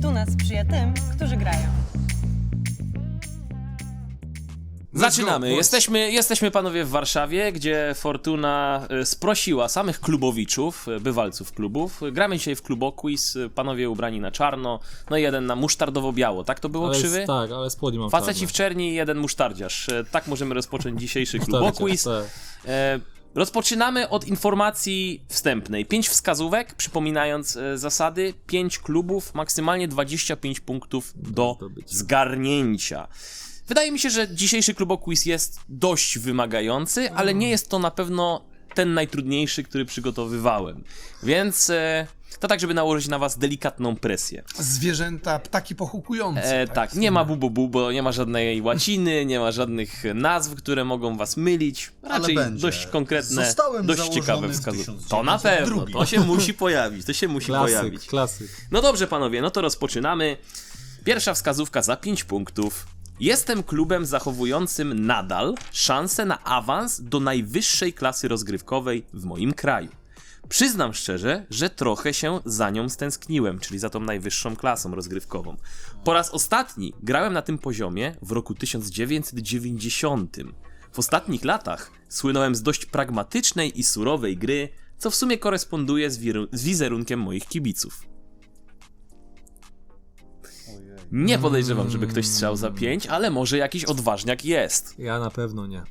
Fortuna sprzyja tym, którzy grają. Zaczynamy. Jesteśmy panowie w Warszawie, gdzie Fortuna sprosiła samych klubowiczów, bywalców klubów. Gramy dzisiaj w kluboquiz, panowie ubrani na czarno, no i jeden na musztardowo-biało, tak to było, Krzywy? Tak, ale spodnie mam Faceci czarne. w czerni i jeden musztardziarz. Tak możemy rozpocząć dzisiejszy kluboquiz. Tak. Rozpoczynamy od informacji wstępnej. 5 wskazówek, przypominając zasady, 5 klubów, maksymalnie 25 punktów do zgarnięcia. Wydaje mi się, że dzisiejszy kluboquiz jest dość wymagający, ale nie jest to na pewno ten najtrudniejszy, który przygotowywałem. Więc to tak, żeby nałożyć na was delikatną presję. Zwierzęta, ptaki pochukujące. Tak, nie ma bubu, bo nie ma żadnej łaciny, nie ma żadnych nazw, które mogą was mylić. Raczej będzie. dość konkretne, Zostałem dość założony ciekawe w wskazówki. 1902. To na pewno, to się musi pojawić, to się musi pojawić. Klasyk. No dobrze panowie, no to rozpoczynamy. Pierwsza wskazówka za 5 punktów. Jestem klubem zachowującym nadal szansę na awans do najwyższej klasy rozgrywkowej w moim kraju. Przyznam szczerze, że trochę się za nią stęskniłem, czyli za tą najwyższą klasą rozgrywkową. Po raz ostatni grałem na tym poziomie w roku 1990. W ostatnich latach słynąłem z dość pragmatycznej i surowej gry, co w sumie koresponduje z wizerunkiem moich kibiców. Nie podejrzewam, żeby ktoś strzał za 5, ale może jakiś odważniak jest. Ja na pewno nie.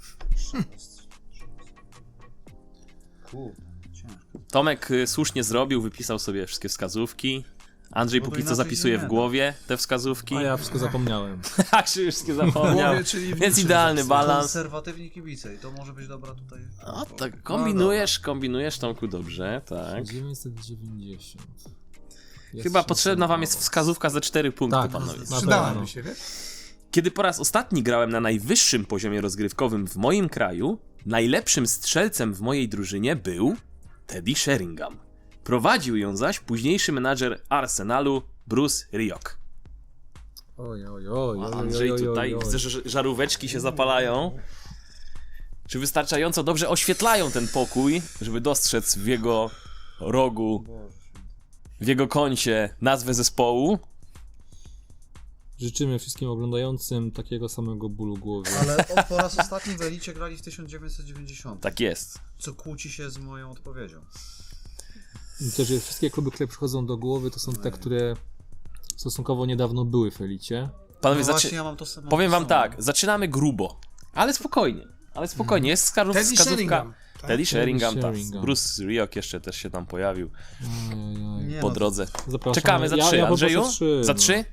Tomek słusznie zrobił, wypisał sobie wszystkie wskazówki. Andrzej Bo to póki co inaczej zapisuje się w nie głowie te wskazówki. A ja wszystko zapomniałem. Tak, się wszystkie zapomniał. Głowie, czyli w Jest niczym idealny zapisane. balans. Konserwatywni kibice i to może być dobra tutaj... No tak, No kombinujesz Tomku dobrze, tak. 990. Jest Chyba szansa potrzebna wam na jest awans. wskazówka za 4 punkty, Tak, panowie. na Przydałaby pewno. się, wiesz? Kiedy po raz ostatni grałem na najwyższym poziomie rozgrywkowym w moim kraju, najlepszym strzelcem w mojej drużynie był Teddy Sheringham. Prowadził ją zaś późniejszy menadżer Arsenalu Bruce Rioch. Oj. Andrzej tutaj, widzę, że żaróweczki się zapalają. Czy wystarczająco dobrze oświetlają ten pokój, żeby dostrzec w jego rogu, w jego kącie nazwę zespołu? Życzymy wszystkim oglądającym takiego samego bólu głowy. Ale po raz ostatni w Elicie grali w 1990, Tak jest. co kłóci się z moją odpowiedzią. Myślę, że wszystkie kluby, które przychodzą do głowy, to są te, które stosunkowo niedawno były w Elicie. Panowie, No właśnie, ja mam to samo. powiem wam tak, zaczynamy grubo, ale spokojnie. Jest Teddy wskazówka. Sheringham. Tak? Teddy Sheringham, tak. Sheringham. Bruce Rioch jeszcze też się tam pojawił Nie, po no, drodze. Zapraszam. Czekamy za 3, ja Andrzeju? poproszę 3, Za no. 3?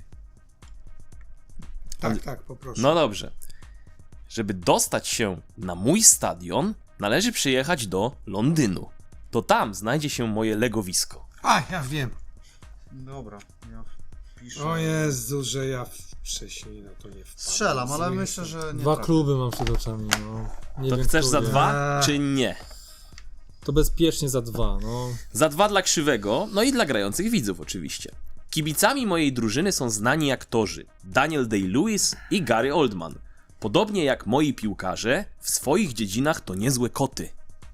Tak, poproszę. No dobrze. Żeby dostać się na mój stadion, należy przyjechać do Londynu. To tam znajdzie się moje legowisko. A, ja wiem. Dobra, ja piszę. O Jezu, że ja wcześniej na to nie wpadłem. Strzelam, ale Sobie myślę, że nie Dwa trafię. kluby mam przed oczami, no. Nie To wiem, chcesz za który. 2, czy nie? To bezpiecznie za 2, no. Za 2 dla Krzywego, no i dla grających widzów oczywiście. Kibicami mojej drużyny są znani aktorzy Daniel Day-Lewis i Gary Oldman. Podobnie jak moi piłkarze, w swoich dziedzinach to niezłe koty.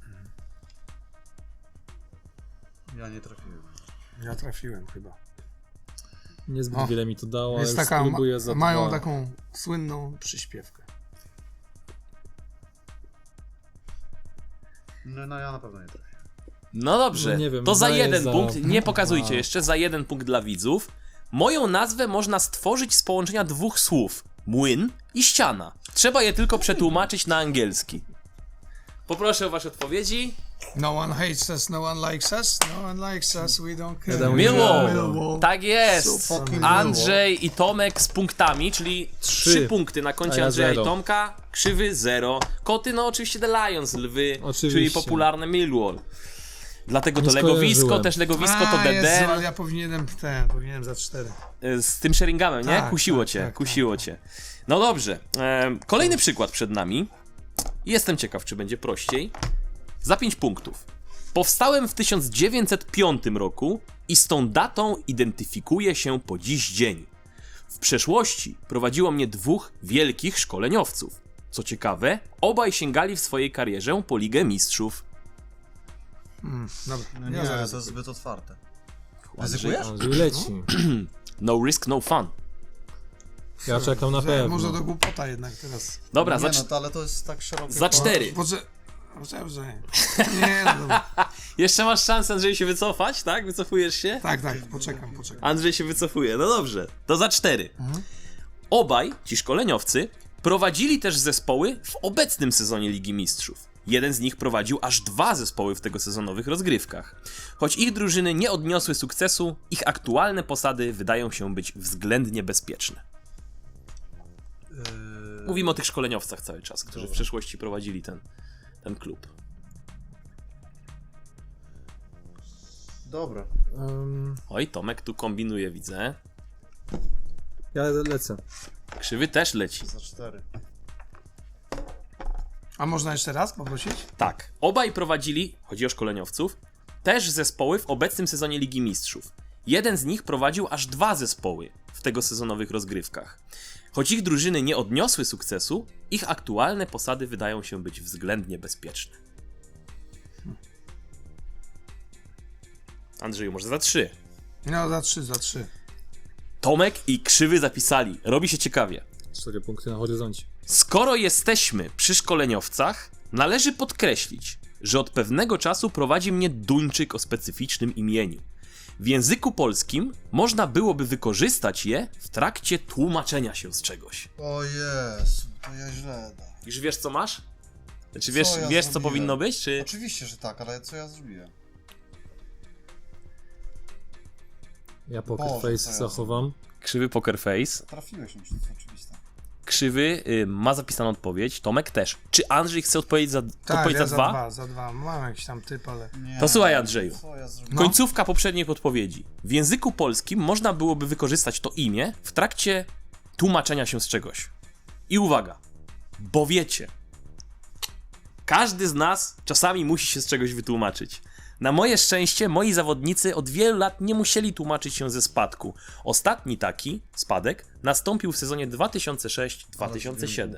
Ja nie trafiłem. Ja trafiłem chyba. Niezbyt O, wiele mi to dało, ale Jest taka, spróbuję za mają 2. taką słynną przyśpiewkę. No ja na pewno nie trafię. No dobrze, No nie wiem, to za daję 1 za punkt, nie pokazujcie 2. jeszcze, za 1 punkt dla widzów. Moją nazwę można stworzyć z połączenia 2 słów. Młyn i ściana. Trzeba je tylko przetłumaczyć na angielski. Poproszę o wasze odpowiedzi. No one hates us, no one likes us, no one likes us, we don't care. Wiadomo, Millwall. Tak jest. So fucking Andrzej i Tomek z punktami, czyli 3 punkty na A koncie ja Andrzeja i 0. Tomka. Krzywy 0. Koty, no oczywiście The Lions, lwy, Oczywiście. czyli popularne Millwall. Dlatego to Nie legowisko, skojarzyłem. też legowisko to A, Jezu, DD. ale ja powinienem za 4. Z tym Sheringhamem, nie? Tak, Kusiło tak, cię, tak, kusiło cię. No dobrze, kolejny przykład przed nami. Jestem ciekaw, czy będzie prościej. Za 5 punktów. Powstałem w 1905 roku i z tą datą identyfikuję się po dziś dzień. W przeszłości prowadziło mnie 2 wielkich szkoleniowców. Co ciekawe, obaj sięgali w swojej karierze po Ligę Mistrzów. Dobra, No ja nie, zaraz to jest zbyt otwarte. Andrzej, Ryzykujesz? Andrzej leci. No risk, no fun. Ja czekam na pewno. Może do głupota jednak teraz. Dobra, Nie no, to, ale to jest tak szerokie. za 4. Poczekaj. Nie, no dobra. Jeszcze masz szansę, Andrzej, się wycofać, tak? Wycofujesz się? Tak, poczekam. Andrzej się wycofuje. No dobrze, to za 4. Obaj ci szkoleniowcy prowadzili też zespoły w obecnym sezonie Ligi Mistrzów. Jeden z nich prowadził aż 2 zespoły w tegosezonowych rozgrywkach. Choć ich drużyny nie odniosły sukcesu, ich aktualne posady wydają się być względnie bezpieczne. Mówimy o tych szkoleniowcach cały czas, którzy w przeszłości prowadzili ten klub. Dobra. Oj, Tomek tu kombinuje, widzę. Ja lecę. Krzywy też leci. Za 4. A można jeszcze raz poprosić? Tak, obaj prowadzili, chodzi o szkoleniowców, też zespoły w obecnym sezonie Ligi Mistrzów. Jeden z nich prowadził aż 2 zespoły w tegosezonowych rozgrywkach. Choć ich drużyny nie odniosły sukcesu, ich aktualne posady wydają się być względnie bezpieczne. Andrzeju, może za 3. No, za 3. Tomek i Krzywy zapisali. Robi się ciekawie. 4 punkty na horyzoncie. Skoro jesteśmy przy szkoleniowcach, należy podkreślić, że od pewnego czasu prowadzi mnie Duńczyk o specyficznym imieniu. W języku polskim można byłoby wykorzystać je w trakcie tłumaczenia się z czegoś. O Jezu, to ja źle dam. Już wiesz, co masz? Znaczy Co wiesz, ja wiesz co zrobiłem? powinno być, czy... Oczywiście, że tak, ale co ja zrobiłem? Ja Poker Boże, Face co ja zachowam. Krzywy Poker Face. Trafiłeś mi, to jest oczywiste. Krzywy ma zapisaną odpowiedź, Tomek też. Czy Andrzej chce odpowiedzieć za, Tak, odpowiedzieć ja za 2? za 2. Mam jakiś tam typ, ale... Nie, To słuchaj, Andrzeju. Co ja zrobiłem? Końcówka poprzedniej podpowiedzi. W języku polskim można byłoby wykorzystać to imię w trakcie tłumaczenia się z czegoś. I uwaga, bo wiecie, każdy z nas czasami musi się z czegoś wytłumaczyć. Na moje szczęście moi zawodnicy od wielu lat nie musieli tłumaczyć się ze spadku. Ostatni taki spadek nastąpił w sezonie 2006-2007.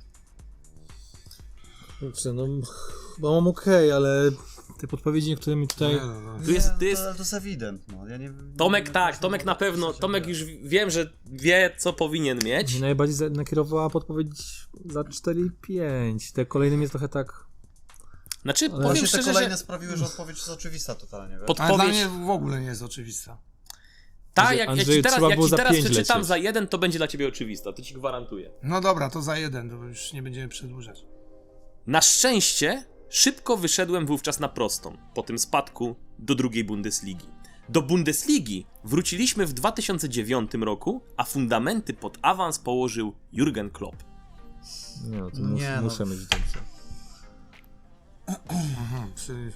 Kurczę, no chyba mam okej, ale te podpowiedzi niektóre mi tutaj... Tu jest, To jest ewident, no. Ja nie, Tomek nie, tak, Tomek na pewno, Tomek już wiem, że wie co powinien mieć. Mnie najbardziej nakierowała podpowiedź za 4 i 5. Te kolejne mnie trochę tak... Znaczy, Ale powiem Właśnie te szczerze, kolejne że sprawiły, że odpowiedź jest oczywista totalnie, wiesz? Ale dla podpowiedź... mnie w ogóle nie jest oczywista. Tak, jak Andrzej, ci teraz, trzeba jak było ci za teraz 5 przeczytam lecieć. za 1, to będzie dla ciebie oczywista, to ci gwarantuję. No dobra, to za 1, to już nie będziemy przedłużać. Na szczęście szybko wyszedłem wówczas na prostą, po tym spadku do drugiej Bundesligi. Do Bundesligi wróciliśmy w 2009 roku, a fundamenty pod awans położył Jurgen Klopp. Nie no, to Nie, no. muszę mieć dobrze. Aha, czyli...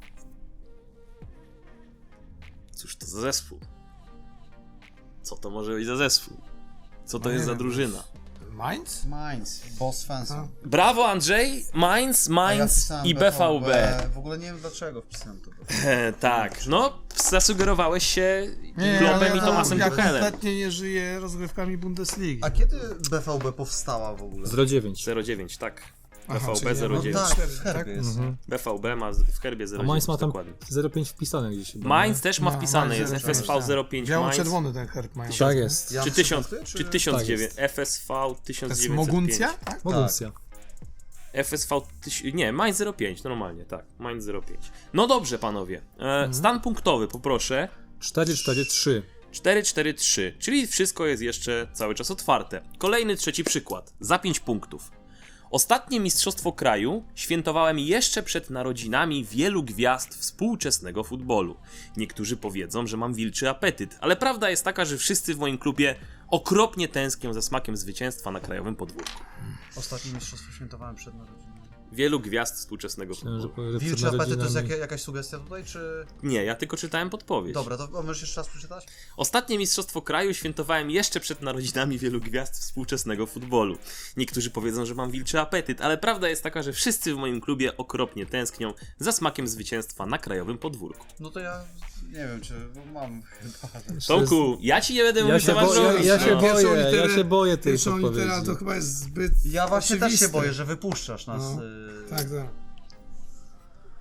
Cóż to za zespół? Co to może być za zespół? Co to No jest nie za wiem, drużyna? Mainz? Mainz, Boss Fancy. A. Brawo Andrzej, Mainz, A ja Mainz wpisałem i BVB. W ogóle nie wiem dlaczego wpisałem to. Tak, no zasugerowałeś się Nie, Kloppem ale i Tomasem ja Tuchelem. kompletnie nie żyję rozgrywkami Bundesligi. A kiedy BVB powstała w ogóle? 09. 09, tak. Aha, BVB czyli 09. No tak, w tak? herbie jest. BVB ma w herbie A 09, Mainz ma tam dokładnie. 05 wpisane gdzieś chyba. Mainz też ma No, wpisane, Mainz jest 05, FSV tak. 05 Mainz. Biało-czerwony ten herb mają. Tak jest. Ja Czy muszę 1000, pasuje, czy 1009, Tak FSV To jest 1905. Moguncja? Tak? Moguncja. FSV, nie, Mainz 05, normalnie, tak, Mainz 05. No dobrze, panowie, stan punktowy poproszę, 4-4-3. 4-4-3, czyli wszystko jest jeszcze cały czas otwarte. Kolejny trzeci przykład, za 5 punktów. Ostatnie mistrzostwo kraju świętowałem jeszcze przed narodzinami wielu gwiazd współczesnego futbolu. Niektórzy powiedzą, że mam wilczy apetyt, ale prawda jest taka, że wszyscy w moim klubie okropnie tęsknią za smakiem zwycięstwa na krajowym podwórku. Ostatnie mistrzostwo świętowałem przed narodzinami. Wielu gwiazd współczesnego Myślałem, że futbolu. powie, że Wilczy przed apetyt to jest narodzinami. jakaś sugestia tutaj, czy... Nie, ja tylko czytałem podpowiedź. Dobra, to możesz jeszcze raz przeczytać? Ostatnie mistrzostwo kraju świętowałem jeszcze przed narodzinami wielu gwiazd współczesnego futbolu. Niektórzy powiedzą, że mam wilczy apetyt, ale prawda jest taka, że wszyscy w moim klubie okropnie tęsknią za smakiem zwycięstwa na krajowym podwórku. No to ja nie wiem, czy bo mam chyba... Tomku, ja ci nie będę mówił, co masz robić. Ja się no. boję, ja się boję tej Pierwszą litera to podpowiedzi. chyba jest zbyt Ja właśnie też się oczywiste. boję, że wypuszczasz nas. No. Tak, tak.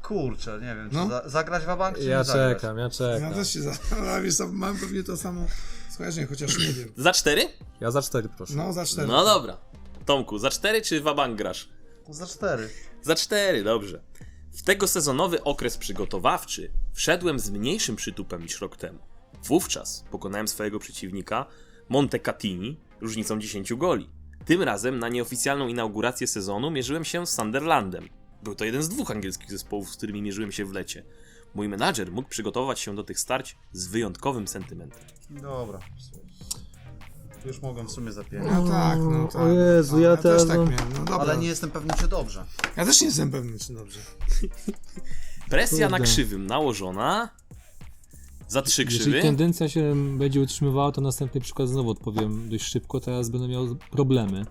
Kurczę, nie wiem, czy No. zagrać wabank, czy Ja nie zagrać? czekam. Ja też się zastanawiam, wiesz co, mam pewnie to samo skojarzenie, chociaż nie wiem. Za 4? Ja za 4 proszę. No, za 4. No dobra. Tomku, za 4 czy wabank grasz? Za 4. Za 4, dobrze. W tego sezonowy okres przygotowawczy wszedłem z mniejszym przytupem niż rok temu. Wówczas pokonałem swojego przeciwnika Montecatini różnicą 10 goli. Tym razem na nieoficjalną inaugurację sezonu mierzyłem się z Sunderlandem. Był to jeden z 2 angielskich zespołów, z którymi mierzyłem się w lecie. Mój menadżer mógł przygotować się do tych starć z wyjątkowym sentymentem. Dobra. Już mogłem w sumie za 5. No tak, no tak. O Jezu, ja też teraz, tak no. miałem, no dobra. Ale nie jestem pewny, czy dobrze. Ja też nie jestem pewny, czy dobrze. Presja na Kurde. krzywym nałożona. Za 3 Jeżeli krzywy. tendencja się będzie utrzymywała, to następny przykład znowu odpowiem dość szybko, teraz będę miał problemy.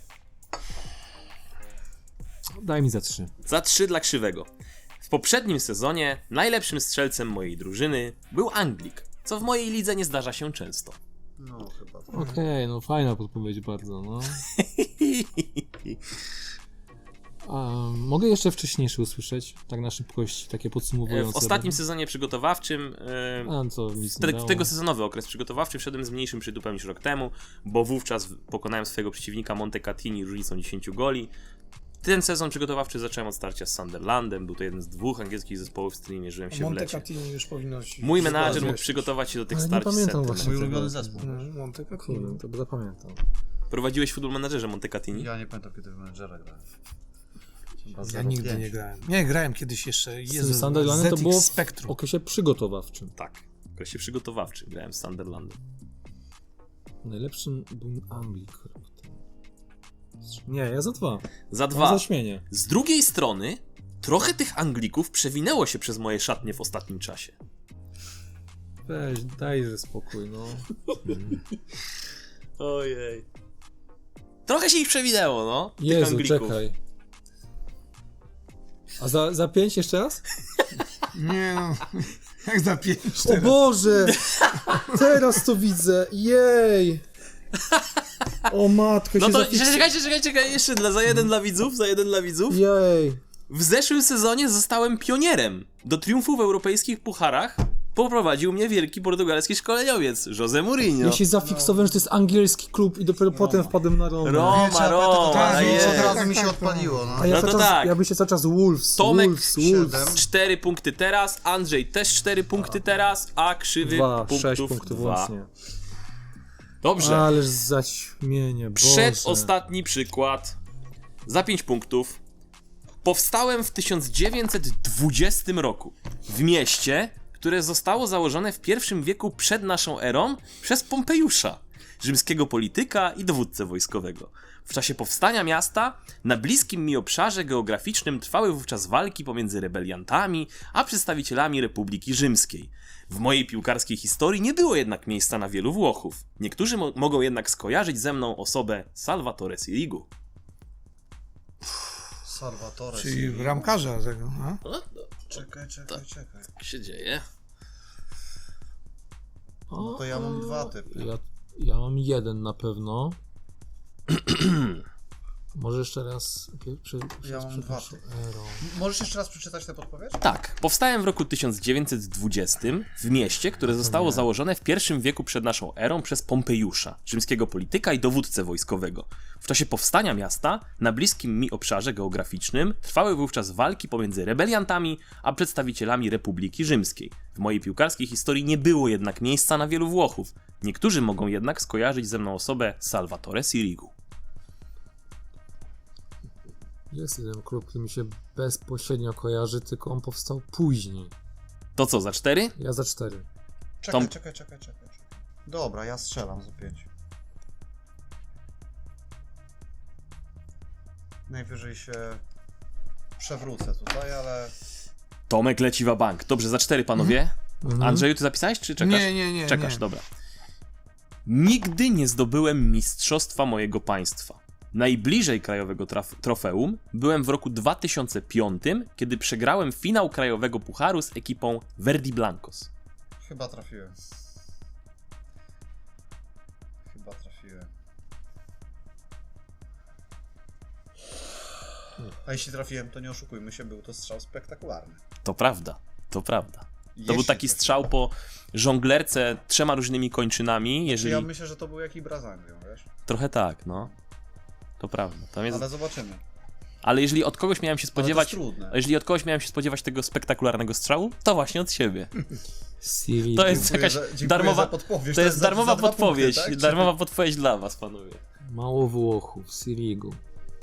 Daj mi za 3. Za 3 dla krzywego. W poprzednim sezonie najlepszym strzelcem mojej drużyny był Anglik, co w mojej lidze nie zdarza się często. No chyba. Okej, no fajna podpowiedź bardzo, no. A, mogę jeszcze wcześniejsze usłyszeć, tak na szybkość, takie podsumowujące. W ostatnim sezonie przygotowawczym, A, co nic nie w dało. tego sezonowy okres przygotowawczy wszedłem z mniejszym przytupem niż rok temu, bo wówczas pokonałem swojego przeciwnika Montecatini różnicą 10 goli. Ten sezon przygotowawczy zacząłem od starcia z Sunderlandem, był to jeden z 2 angielskich zespołów, z którymi mierzyłem się w lecie. Montecatini już powinno się... Mój menadżer mógł wiesz, przygotować się do tych Ale nie starć z pamiętam sentymentem. właśnie. Mój ulubiony zespół. No, Montecatini. Kurde, to zapamiętam. Prowadziłeś w Football Managerze Montecatini? Ja nie pamiętam, kiedy w menedżera grałem. Chyba Ja nigdy 0,5. nie grałem. Nie, grałem kiedyś jeszcze. Z tym Jezu, Sunderlandem to ZX było w Spectrum. okresie przygotowawczym. Tak, w okresie przygotowawczym grałem z Sunderlandem. Najlepszym był Anglik rok temu. Nie, ja za 2. Za Dwa. 2. Zaśmienie. Z drugiej strony, trochę tych Anglików przewinęło się przez moje szatnie w ostatnim czasie. Weź, dajże spokój, no. Ojej. Trochę się ich przewinęło, no. Tych Jezu, Anglików. czekaj. A za 5 jeszcze raz? Nie no, jak za 5 O teraz. Boże! Teraz to widzę, jej! O matko, No się to zafiks- czekaj, jeszcze za jeden dla widzów, Jej! W zeszłym sezonie zostałem pionierem. Do triumfu w europejskich pucharach poprowadził mnie wielki portugalski szkoleniowiec, José Mourinho. Ja się zafiksowałem, że to jest angielski klub i dopiero potem wpadłem na Roma. Roma, Tak, jest. od razu mi się Tak, odpaliło, no. A ja No to cały czas, tak. ja byście cały czas Wolves, Tomek Wolves. 4 punkty teraz, Andrzej też 4 punkty teraz, a krzywy 6 punktów punktów 2. łącznie. Dobrze. Ależ zaćmienie, Boże. Przedostatni przykład. Za 5 punktów. Powstałem w 1920 roku w mieście, które zostało założone w I wieku przed naszą erą przez Pompejusza, rzymskiego polityka i dowódcę wojskowego. W czasie powstania miasta na bliskim mi obszarze geograficznym trwały wówczas walki pomiędzy rebeliantami a przedstawicielami Republiki Rzymskiej. W mojej piłkarskiej historii nie było jednak miejsca na wielu Włochów. Niektórzy mogą jednak skojarzyć ze mną osobę Salvatore Sirigu. Salvatore. Czyli bramkarza tego, a? Czekaj. Co się dzieje? No to ja mam 2 typy. Ja mam 1 na pewno. Może jeszcze raz... Ja mam 2 przepraszam, typy. Ero. Możesz jeszcze raz przeczytać tę podpowiedź? Tak, powstałem w roku 1920 w mieście, które zostało założone w I wieku przed naszą erą przez Pompejusza, rzymskiego polityka i dowódcę wojskowego. W czasie powstania miasta, na bliskim mi obszarze geograficznym, trwały wówczas walki pomiędzy rebeliantami a przedstawicielami Republiki Rzymskiej. W mojej piłkarskiej historii nie było jednak miejsca na wielu Włochów. Niektórzy mogą jednak skojarzyć ze mną osobę Salvatore Sirigu. Jest jeden klub, który mi się bezpośrednio kojarzy, tylko on powstał później. To co, za 4? Ja za 4. Czekaj. Dobra, ja strzelam za 5. Najwyżej się przewrócę tutaj, ale... Tomek leci wa bank. Dobrze, za 4 panowie. Andrzeju, ty zapisałeś, czy czekasz? Nie. Czekasz, nie. dobra. Nigdy nie zdobyłem mistrzostwa mojego państwa. Najbliżej krajowego trofeum byłem w roku 2005, kiedy przegrałem finał krajowego pucharu z ekipą Verdi Blancos. Chyba trafiłem. A jeśli trafiłem, to nie oszukujmy się, był to strzał spektakularny. To prawda, to prawda. To był Jeśli taki trafiłem. strzał po żonglerce 3 różnymi kończynami, jeżeli... Ja myślę, że to był jakiś Brazangią, wiesz? Trochę tak, no. To prawda. Tam jest... Ale zobaczymy. Ale jeżeli od kogoś miałem się spodziewać... Ale to jest trudne. Jeżeli od kogoś miałem się spodziewać tego spektakularnego strzału, to właśnie od siebie. Siri. To jest Dziękuję jakaś dziękuję darmowa... za podpowiedź. To jest za darmowa 2 podpowiedź. punkty, tak? Darmowa podpowiedź dla was, panowie. Mało Włochów, Sirigu.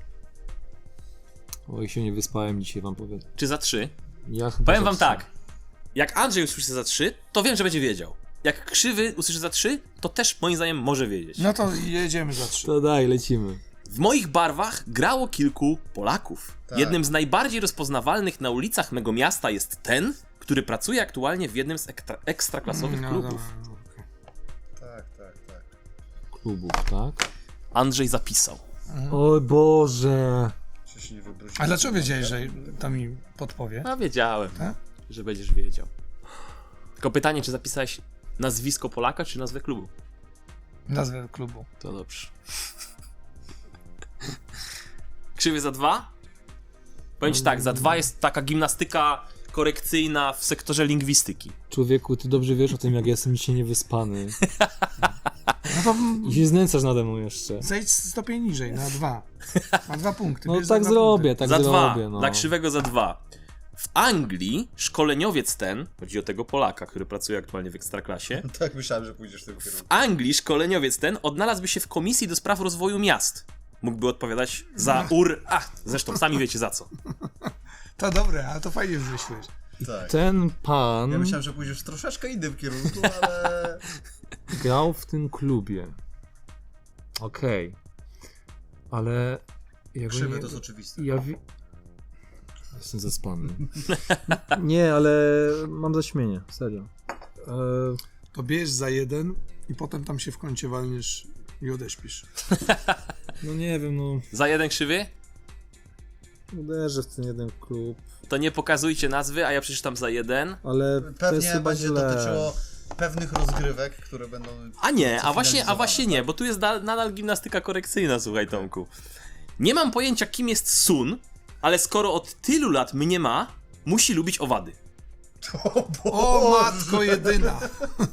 Oj, się nie wyspałem dzisiaj, wam powiem. Czy za 3? Ja chyba Powiem za wam trzy. tak. Jak Andrzej usłyszy za 3, to wiem, że będzie wiedział. Jak Krzywy usłyszy za 3, to też moim zdaniem może wiedzieć. No to jedziemy za 3. To daj, lecimy. W moich barwach grało kilku Polaków. Tak. Jednym z najbardziej rozpoznawalnych na ulicach mego miasta jest ten, który pracuje aktualnie w jednym z ekstraklasowych klubów. Tak. Klubów, tak? Andrzej zapisał. Oj Boże. Czy się nie wybrudziłem? A dlaczego wiedziałeś, że to mi podpowie? A wiedziałem, Tak? że będziesz wiedział. Tylko pytanie, czy zapisałeś nazwisko Polaka, czy nazwę klubu? Nazwę klubu. To dobrze. Krzywy za 2? Powiem ci tak, za 2 jest taka gimnastyka korekcyjna w sektorze lingwistyki. Człowieku, ty dobrze wiesz o tym, jak ja jestem dzisiaj niewyspany. No to I się znęcasz nade mną jeszcze. zejdź stopień niżej, na 2. Na 2 punkty. No bierz za tak 2 zrobię, punkty. tak za 2, zrobię, no. dla Krzywego za 2. W Anglii szkoleniowiec ten, chodzi o tego Polaka, który pracuje aktualnie w Ekstraklasie, Tak myślałem, że pójdziesz w tym w kierunku. Anglii szkoleniowiec ten odnalazłby się w Komisji do Spraw Rozwoju Miast. Mógłby odpowiadać za zresztą sami wiecie za co. To dobre, ale to fajnie wymyśliłeś. Tak. Ten pan Ja myślałem, że pójdziesz w troszeczkę innym kierunku, ale... grał w tym klubie. Okej. Ale... Ja go Krzywy nie... to jest oczywiste. Jestem zaspany. Nie, ale mam zaśmienie, serio. To bierz za 1 i potem tam się w kącie walniesz i odeśpisz. No nie wiem, no... Za 1 Krzywy? Uderzę w ten jeden klub, To nie pokazujcie nazwy, a ja przeczytam za 1. ale to jest Pewnie chyba będzie źle. dotyczyło pewnych rozgrywek, które będą... A nie, a właśnie finalizowane, nie, tak? bo tu jest nadal gimnastyka korekcyjna, słuchaj Tomku. Nie mam pojęcia, kim jest Sun, ale skoro od tylu lat mnie ma, musi lubić owady. O matko jedyna!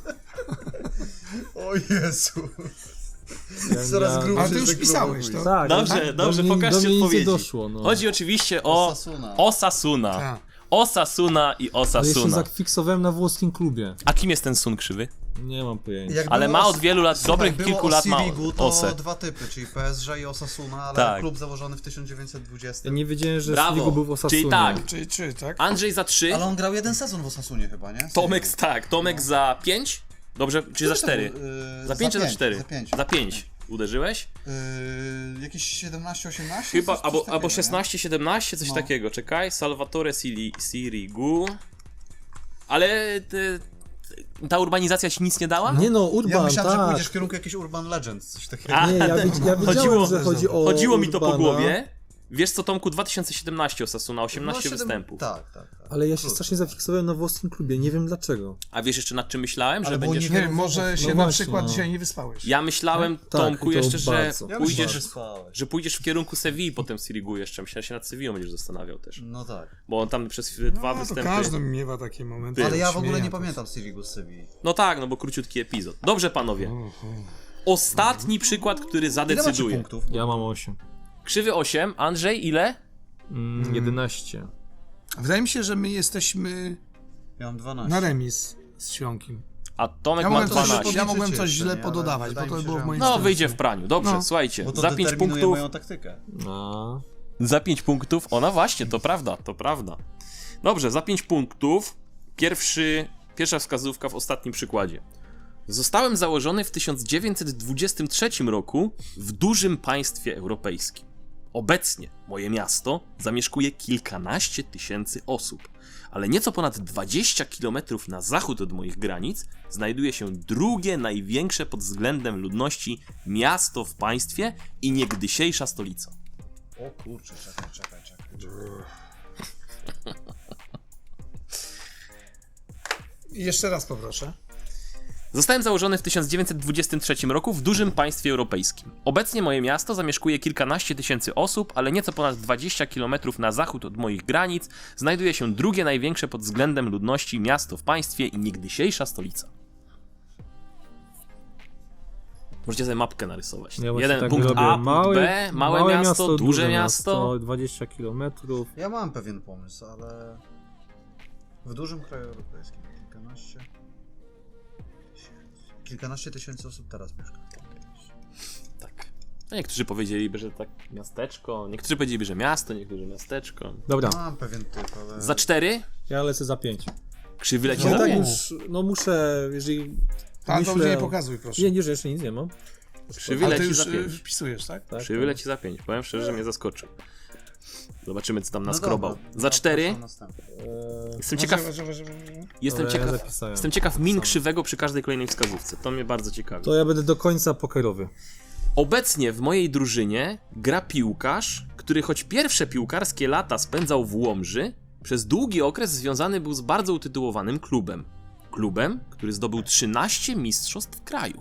O Jezu. Ja Coraz miałem- grubszy Ale ty już ten pisałeś klub. to. Tak, Dobrze, dobrze, do mnie pokażcie nic nie odpowiedzi. doszło, no. Chodzi oczywiście o Osasuna. Osasuna. Tak. Osasuna i Ale jeszcze Osasuna. zafiksowałem na włoskim klubie. A kim jest ten Sun Krzywy? Nie mam pojęcia. Jak Ale było ma o- od wielu lat, Słuchaj, dobrych było kilku o lat ma Sirigu, to Osę. 2 typy, czyli PSG i Osasuna, ale Tak. klub założony w 1920. Ja nie wiedziałem, że Brawo. Sirigu był w Osasunie. Czyli tak. Czy tak? Andrzej za 3, Ale on grał jeden sezon w Osasunie chyba, nie? Tomek Tomek za 5? Dobrze, czy za 4? Za 5 czy za 4? Za 5. Za 5. Uderzyłeś? Jakieś 17-18? Chyba, Coś takiego, albo nie? 16-17, coś No. takiego. Czekaj, Salvatore Sirigu. Ale ta urbanizacja ci nic nie dała? Nie no, Ja Urban, myślałem, że tak. pójdziesz w kierunku jakiegoś Urban Legends, coś takiego. A, Nie, ja wiedziałem, że chodzi o Chodziło mi to po Urbana, głowie. Wiesz co, Tomku, 2017 Osasuna, 18 występów. Tak. Ale ja się strasznie zafiksowałem na włoskim klubie, nie wiem dlaczego. A wiesz jeszcze nad czym myślałem? Że Ale było będziesz... Nie wiem, może się na właśnie, przykład no. dzisiaj nie wyspałeś. Ja myślałem, Tak, Tomku, i to jeszcze, że bardzo. Ja pójdziesz, myślałem, że że pójdziesz w kierunku Sewilli potem Sirigu jeszcze. Myślałem, że się nad Sewillą będziesz zastanawiał też. No tak. Bo on tam przez No, dwa to występy... każdy miewa takie momenty. Ale ja w ogóle nie śmieję. pamiętam Sirigu z Sewilli. No tak, no bo króciutki epizod. Dobrze, panowie. Ostatni przykład, który Ile macie zadecyduje. punktów? Ja mam 8. Krzywy 8, Andrzej ile? 11. Wydaje mi się, że my jesteśmy Ja mam 12. na remis z Świąkiem. A Tomek Ja ma mogłem coś, 12. ja mogłem coś jeszcze, źle nie? pododawać, Ale bo wydaje to mi się, było że w moim No, stylu. wyjdzie w praniu. Dobrze, No. słuchajcie. Bo to Za 5 determinuje punktów. moją taktykę. A. Za 5 punktów. Ona właśnie, to prawda, to prawda. Dobrze, za 5 punktów. Pierwsza wskazówka w ostatnim przykładzie. Zostałem założony w 1923 roku w dużym państwie europejskim. Obecnie moje miasto zamieszkuje kilkanaście tysięcy osób, ale nieco ponad 20 km na zachód od moich granic znajduje się drugie największe pod względem ludności miasto w państwie i niegdysiejsza stolica. O kurczę, czekaj. I jeszcze raz poproszę. Zostałem założony w 1923 roku w dużym państwie europejskim. Obecnie moje miasto zamieszkuje kilkanaście tysięcy osób, ale nieco ponad 20 km na zachód od moich granic znajduje się drugie największe pod względem ludności miasto w państwie i niegdysiejsza stolica. Możecie sobie mapkę narysować. Ja właśnie Jeden tak punkt robię. A, punkt B, małe miasto, duże miasto. 20 km. Ja mam pewien pomysł, ale w dużym kraju europejskim kilkanaście tysięcy osób teraz mieszka. Tak. No niektórzy powiedzieliby, że tak miasteczko, niektórzy powiedzieliby, że miasto, niektórzy miasteczko. Dobra, Mam pewien typ, ale... Za 4 ja lecę za 5. krzywy leci No za tak 5. już, no muszę, jeżeli... Tam to myślę- nie pokazuj, proszę. Nie, jeszcze nic nie mam. Krzywy Ale ty leci już za 5. wpisujesz, tak? Tak, Krzywy leci za 5. Powiem szczerze, że mnie zaskoczył. Zobaczymy, co tam No naskrobał. dobra, Za 4 zapraszam następny. jestem ciekaw, jestem Dobra, ja ciekaw, zapisałem. jestem ciekaw min krzywego przy każdej kolejnej wskazówce. To mnie bardzo ciekawi. To ja będę do końca pokerowy. Obecnie w mojej drużynie gra piłkarz, który choć pierwsze piłkarskie lata spędzał w Łomży, przez długi okres związany był z bardzo utytułowanym klubem. Klubem, który zdobył 13 mistrzostw kraju.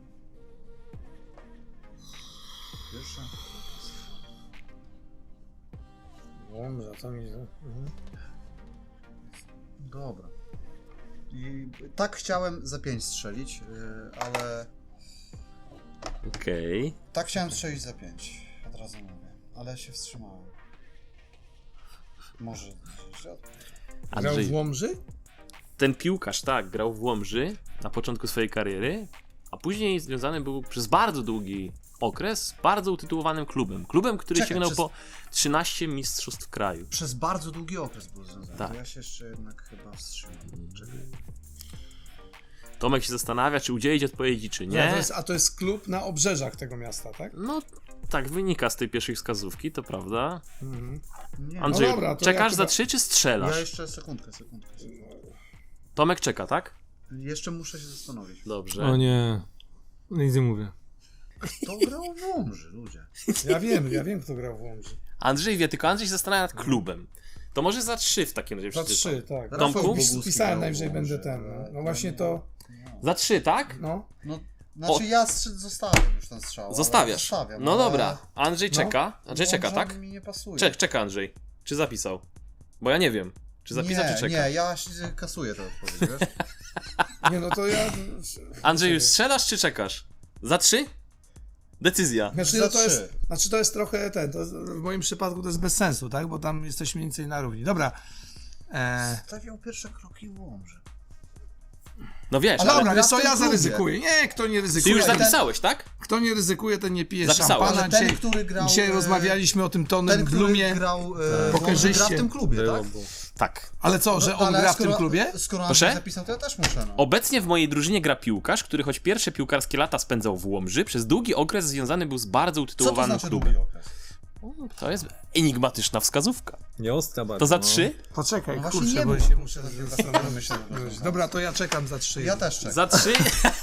Pierwsza? Dobrze, to mi... Dobra. I tak chciałem za 5 strzelić, ale... Okej. Tak chciałem strzelić za 5, od razu mówię, ale się wstrzymałem. Może... Grał Andrzej, w Łomży? ten piłkarz, tak, grał w Łomży na początku swojej kariery, a później związany był przez bardzo długi okres z bardzo utytułowanym klubem. Klubem, który Czekaj, sięgnął przez- po 13 mistrzostw kraju. Przez bardzo długi okres był związany, Tak. to ja się jeszcze jednak chyba wstrzymam. Czekaj. Tomek się zastanawia, czy udzielić odpowiedzi, czy nie. To jest klub na obrzeżach tego miasta, tak? No, tak wynika z tej pierwszej wskazówki, to prawda. Nie, Andrzej, No dobra, to czekasz ja za chyba- 3 czy strzelasz? ja jeszcze sekundkę. Tomek czeka, tak? Jeszcze muszę się zastanowić. Dobrze. O nie, nic nie mówię. Kto grał w Łomży, ludzie? Ja wiem, kto grał w Łomży. Andrzej wie, tylko Andrzej się zastanawia nad klubem. To może za 3 w takim razie Za przeczytam. 3, tak. Tomku? Rafał Boguski Pisałem grał w najwyżej Łomży, będę ten. ale No właśnie to... Za 3, tak? No. No, znaczy ja zostawiam już ten strzał. ale Zostawiasz. Zostawiam, No ale dobra. Andrzej czeka. Andrzej czeka, Łomża tak? mi nie pasuje. Czeka Andrzej. Czy zapisał? Bo ja nie wiem. Czy zapisał, czy czeka? Nie, ja kasuję tę odpowiedź, wiesz? Nie, no to ja... Andrzej, już strzelasz, czy czekasz? Za 3? Decyzja. Znaczy, Za no to jest, 3. to jest trochę w moim przypadku to jest bez sensu, tak? Bo tam jesteśmy mniej więcej na równi. Dobra. Stawiał pierwsze kroki w Łomży. No wiesz, Ale ale dobra, gra wiesz w co, tym ja klubie. zaryzykuję. Nie, kto nie ty ryzykuje. już ten- zapisałeś, tak? Kto nie ryzykuje, ten nie pije Zapisałeś. szampana. Ale ten, Dzisiaj, który grał... dzisiaj rozmawialiśmy o tym Tonym Ten, który Blumie. grał pokerzyście. gra w tym klubie, tak? Tak. Ale co, że on Ale gra w tym klubie? Skoro Proszę? Andrzej zapisał, to ja też muszę, no. Obecnie w mojej drużynie gra piłkarz, który choć pierwsze piłkarskie lata spędzał w Łomży, przez długi okres związany był z bardzo Co to utytułowanym znaczy klubem. długi okres? To jest enigmatyczna wskazówka. Nie ostra bardzo. To za no. 3? Poczekaj, No właśnie kurczę, nie bo mów. się muszę zastanowić. Dobra, to ja czekam za 3. Ja też czekam. Za 3?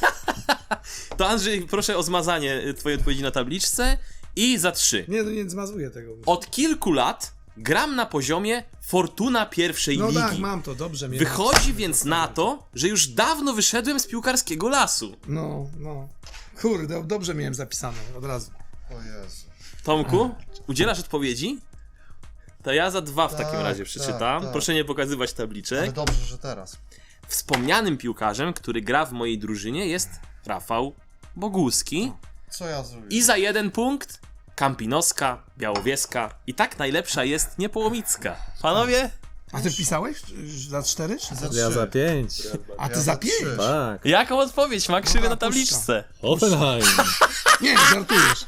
To Andrzej, proszę o zmazanie twojej odpowiedzi na tabliczce. I za 3. Nie, no nie zmazuję tego. Od kilku lat gram na poziomie Fortuna pierwszej No ligi. tak, mam to, dobrze mnie. Wychodzi więc na to, że już dawno wyszedłem z piłkarskiego lasu. No. Kurde, dobrze miałem zapisane od razu. O Jezu. Tomku, udzielasz odpowiedzi? To ja za 2 w takim Tak, razie przeczytam. tak. Proszę nie pokazywać Ale tabliczek. dobrze, że teraz. Wspomnianym piłkarzem, który gra w mojej drużynie, jest Rafał Boguski. Co ja zrobię? I za 1 punkt Kampinoska, Białowieska i tak najlepsza jest Niepołomicka. Panowie? A ty pisałeś za 4? Za Ja 3. za 5. A ty Ja za za 5? 3. Tak. Jaką odpowiedź ma krzywy No, na tabliczce? Offenheim. Nie, żartujesz.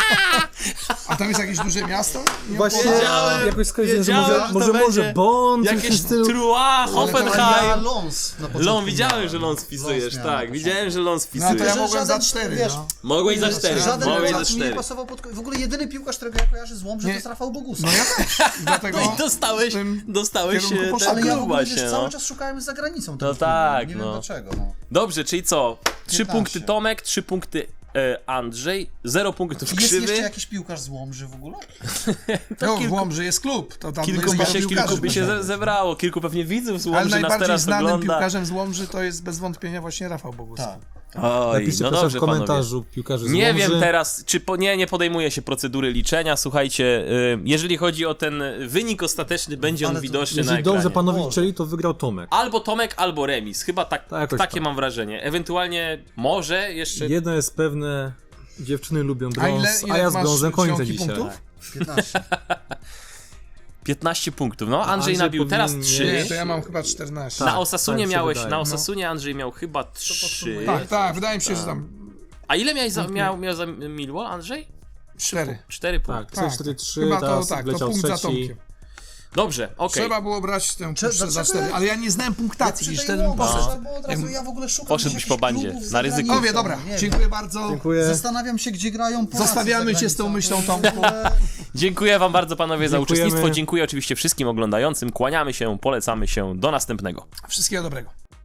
A tam jest jakieś duże miasto? Nie Właśnie Wiedziałem, jakoś skojarzyłem, że wiedziałem, że to może będzie Bond, coś w Jakieś tym stylu. Trua, Ja Hoffenheim. Lons na początku Lon, widziałem, miałem. że Lons wpisujesz, Lons miałem tak, na początku. widziałem, że Lons No to ja wpisujesz. mogłem za żaden, 4, wiesz, no. Mogłeś za 4, Żaden mogłeś za piłkarz mi nie 4. pasował w ogóle jedyny piłkarz, którego ja kojarzę z Łomży, Nie. to jest Rafał Boguski. No ja też. Dlatego No i dostałeś w tym dostałeś kierunku ten poszedłem. Ale ja w kluba ogóle się, wiesz, no. cały czas szukałem za granicą tego tak, klubu. Nie no. wiem dlaczego, no. Dobrze, czyli co? 3 15. punkty Tomek, 3 punkty Andrzej, 0 punktów Jest jeszcze krzywy. jakiś piłkarz z Łomży w ogóle? No, w Łomży jest klub, to tam Kilku jest by paru piłkarzy. się zebrało, kilku pewnie widzów z Ale Łomży nas najbardziej teraz znanym ogląda. piłkarzem z Łomży to jest bez wątpienia właśnie Rafał Boguski. Tak. Oj, Napiszcie no proszę dobrze, w komentarzu panowie. piłkarzy z Nie Łomży. wiem teraz, czy nie podejmuje się procedury liczenia. Słuchajcie, jeżeli chodzi o ten wynik ostateczny, będzie on Ale to- widoczny na Jeśli ekranie. dobrze panowie Boże. liczyli, to wygrał Tomek. Albo Tomek, albo remis. Chyba Tak, jakoś takie tak. mam wrażenie. Ewentualnie może jeszcze... Jedno jest pewne, dziewczyny lubią A brąz, ile a ja z masz brązem kończę czcionki dzisiaj. punktów? 15. 15 punktów. No, Andrzej Andrzej nabił teraz powinien 3. Nie, to ja mam chyba 14. Na Tak, Osasunie tak się miałeś, wydaje. na Osasunie Andrzej miał chyba 3. Tak, wydaje mi się, że tam A ile miał za Millwall, Andrzej? 4. 4 punkty. Tak, Tak, 4-3, chyba to teraz tak, to wleciał punkt za trzeci. Tomkiem. Dobrze, okej. Trzeba było brać tę Cze- puszczę za dlaczego 4, ale ja nie znałem punktacji, Przy gdzieś tej wtedy bym Łomży poszedł. trzeba było od razu, ja w ogóle szukam Poszedłbyś jakichś po bandzie, klubów na ryzyko. zagranicznych, Powie, dobra, nie wiem. dziękuję bardzo. Dziękuję. Zastanawiam się, gdzie grają Polacy Zostawiamy za cię z tą granicą. myślą, To jest w ogóle- Dziękuję wam bardzo, panowie, za Dziękujemy. uczestnictwo. Dziękuję oczywiście wszystkim oglądającym. Kłaniamy się, polecamy się. Do następnego. Wszystkiego dobrego.